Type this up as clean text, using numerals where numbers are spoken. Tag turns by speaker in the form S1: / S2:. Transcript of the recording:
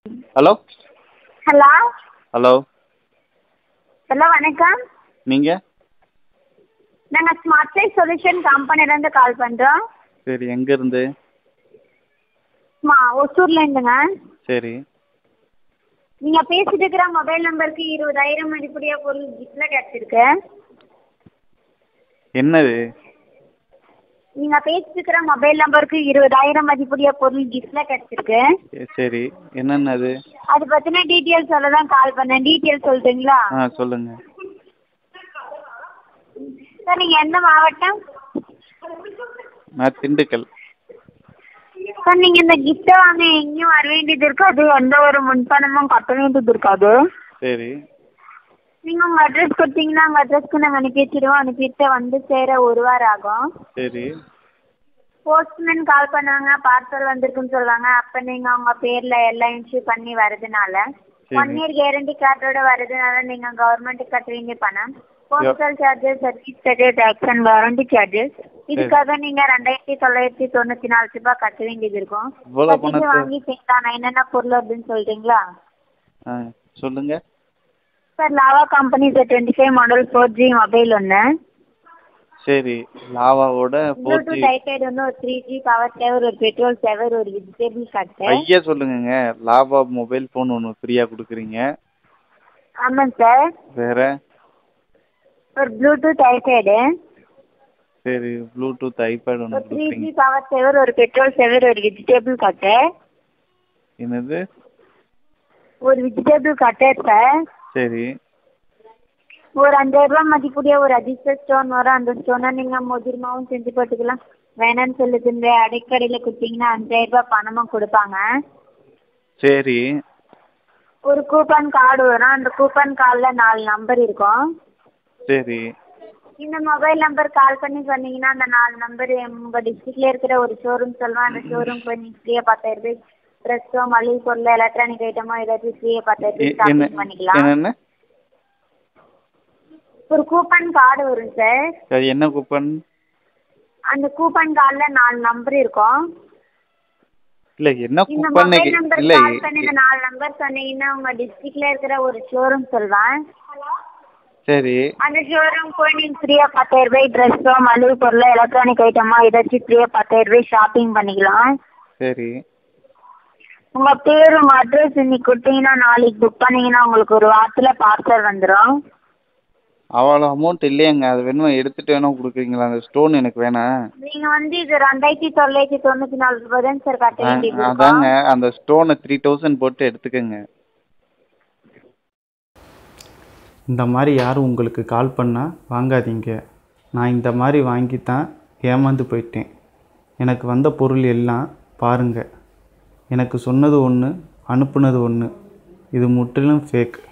S1: Hello
S2: hello
S1: hello
S2: hello வணக்கம்.
S1: நீங்கள்?
S2: நாங்கள் ஸ்மார்ட் லைஃப் சொல்யூஷன் கம்பெனிலேருந்து கால் பண்ணுறோம்.
S1: சரி, எங்கேருந்து?
S2: ஒசூர்லேருந்துங்க.
S1: சரி.
S2: நீங்கள் பேசிட்டு இருக்கிற மொபைல் நம்பருக்கு 20,000 மதிப்புடைய பொருள் கிஃப்டில் கிடச்சிருக்கு.
S1: என்னது?
S2: நீங்கள் பேசிட்டு இருக்கிற மொபைல் நம்பருக்கு 20,000 மதிப்புடைய பொருள் கிஃப்டில் கிடச்சிருக்கு.
S1: சரி, என்னென்னது?
S2: அது பற்றின டீட்டெயில்ஸ் சொல்ல தான் கால் பண்ணேன். டீட்டெயில்ஸ் சொல்லிட்டுங்களா?
S1: சொல்லுங்கள்.
S2: சார் நீங்கள் எந்த மாவட்டம்?
S1: நான் திண்டுக்கல்.
S2: சார் நீங்கள் இந்த கிஃப்ட்டை வாங்க எங்கேயும் வர வேண்டியது இருக்காது, எந்த ஒரு முன்பணமும் கட்ட வேண்டியது இருக்காது.
S1: சரி.
S2: நீங்கள் உங்கள் அட்ரஸ் கொடுத்தீங்கன்னா உங்கள் அட்ரஸ்க்கு நாங்கள் அனுப்பி வச்சுடுவோம். அனுப்பிட்டு வந்து சேர 1 வாரம் ஆகும்.
S1: சரி.
S2: போஸ்ட்மேன் கால் பண்ணுவாங்க, பார்சல் வந்திருக்குன்னு சொல்லுவாங்க. அப்போ நீங்கள் உங்கள் பேரில் எல்லாம் இன்ஷூ பண்ணி வரதுனால 1 இயர் கேரண்டி கார்டோட வரதுனால நீங்கள் கவர்மெண்ட்டுக்கு கட்ட வேண்டிய பணம் postal charges, service charges, tax and warranty charges. இதுக்காக நீங்கள் 2,994 ரூபாய் கட்ட வேண்டியது இருக்கும். கட்டிட்டு வாங்கி சேர்த்தாங்க. என்னென்ன பொருள் அப்படின்னு சொல்லிட்டீங்களா?
S1: சொல்லுங்கள்.
S2: Sir Lava company sir 25 model 4G mobile ஒன்று.
S1: சரி, லாவாவோட 4G
S2: ப்ளூடூத் டைப்ரைட் ஒன்று, ஒரு 3G பவர் சேவர், ஒரு பெட்ரோல் சேவர், ஒரு வெஜிடபிள் கட்டு.
S1: ஐயா சொல்லுங்கங்க. லாவா மொபைல் ஃபோன் ஒன்று ஃப்ரீயாக கொடுக்குறீங்க.
S2: ஆமாங்க சார்.
S1: வேற?
S2: ஒரு ப்ளூடூத் டைப்ரைடு.
S1: சரி, ப்ளூடூத் ஐபேட் ஒன்று
S2: ஒரு 3G
S1: கொடுக்குறீங்க.
S2: பவர் சேவர், ஒரு பெட்ரோல் சேவர், ஒரு வெஜிடபிள் கட்டு.
S1: என்னது?
S2: ஒரு வெஜிடபிள் கட்டர் சார்.
S1: சரி.
S2: ஒரு 5,000 ரூபாய் மதிப்புடைய ஒரு அடிஷனல் ஸ்டோன் வரும். அந்த ஸ்டோனை நீங்கள் மோதிரமாகவும் செஞ்சு போட்டுக்கலாம். வேணான்னு சொல்லுது இந்த அடைக்கடையில் கொடுத்தீங்கன்னா 5,000 ரூபாய் பணமும் கொடுப்பாங்க.
S1: சரி.
S2: ஒரு கூப்பன் கார்டு வரும். அந்த கூப்பன் கார்டில் 4 நம்பர் இருக்கும்.
S1: சரி.
S2: இந்த மொபைல் நம்பர் கால் பண்ணி சொன்னீங்கன்னா அந்த 4 நம்பர் உங்கள் டிஸ்ட்ரிக்ட்ல இருக்கிற ஒரு ஷோரூம் சொல்லுவேன். அந்த ஷோரூம் போய் நீங்கள் ஃப்ரீயாக 10,000 ரூபாய் ட்ரெஸ்ஸோ, மளிகை பொருள், எலக்ட்ரானிக் ஐட்டமோ ஏதாச்சும் ஃப்ரீயாக 10,000 ரூபாய் ஷாப்பிங் பண்ணிக்கலாம்.
S1: என்னென்ன?
S2: ஒரு கூப்பன் கார்டு வரும் சார்.
S1: அது என்ன கூப்பன்?
S2: அந்த கூப்பன் கார்டில் 4 நம்பர் இருக்கும்.
S1: இல்லை, என்ன
S2: இந்த
S1: கூப்பன்?
S2: மொபைல் நம்பர்
S1: இல்லை.
S2: கால் பண்ணி இந்த 4 நம்பர் சொன்னீங்கன்னா உங்கள் டிஸ்ட்ரிக்ட்ல இருக்கிற ஒரு ஷோரூம் சொல்வேன்.
S1: சரி.
S2: அந்த ஷோரூம் போய் நீங்கள் ஃப்ரீயாக 10,000 ரூபாய் ட்ரெஸ்ஸோ, மளிகை பொருளோ, எலக்ட்ரானிக் ஐட்டமோ ஏதாச்சும் ஃப்ரீயாக 10,000 ரூபாய் ஷாப்பிங் பண்ணிக்கலாம்.
S1: சரி.
S2: உங்கள் பேர், உங்கள் அட்ரஸ் இன்னைக்கு கொடுத்தீங்கன்னா நாளைக்கு புக் பண்ணிங்கன்னா உங்களுக்கு ஒரு வாரத்தில் பார்சல் வந்துடும்.
S1: அவ்வளோ அமௌண்ட் இல்லையேங்க. அது வேணுமா எடுத்துகிட்டு வேணா கொடுக்குறீங்களா? அந்த ஸ்டோன் எனக்கு வேணாம்.
S2: நீங்கள் இது 2,994 ரூபாய் தான் சார் கட்ட வேண்டியது இருக்கும்.
S1: அதாங்க, அந்த ஸ்டோனை 3,000 போட்டு எடுத்துக்கோங்க.
S3: இந்த மாதிரி யாரும் உங்களுக்கு கால் பண்ணால் வாங்காதீங்க. நான் இந்த மாதிரி வாங்கி தான் ஏமாந்து போயிட்டேன். எனக்கு வந்த பொருள் எல்லாம் பாருங்கள். எனக்கு சொன்னது ஒன்று, அனுப்புனது ஒன்று. இது முற்றிலும் ஃபேக்.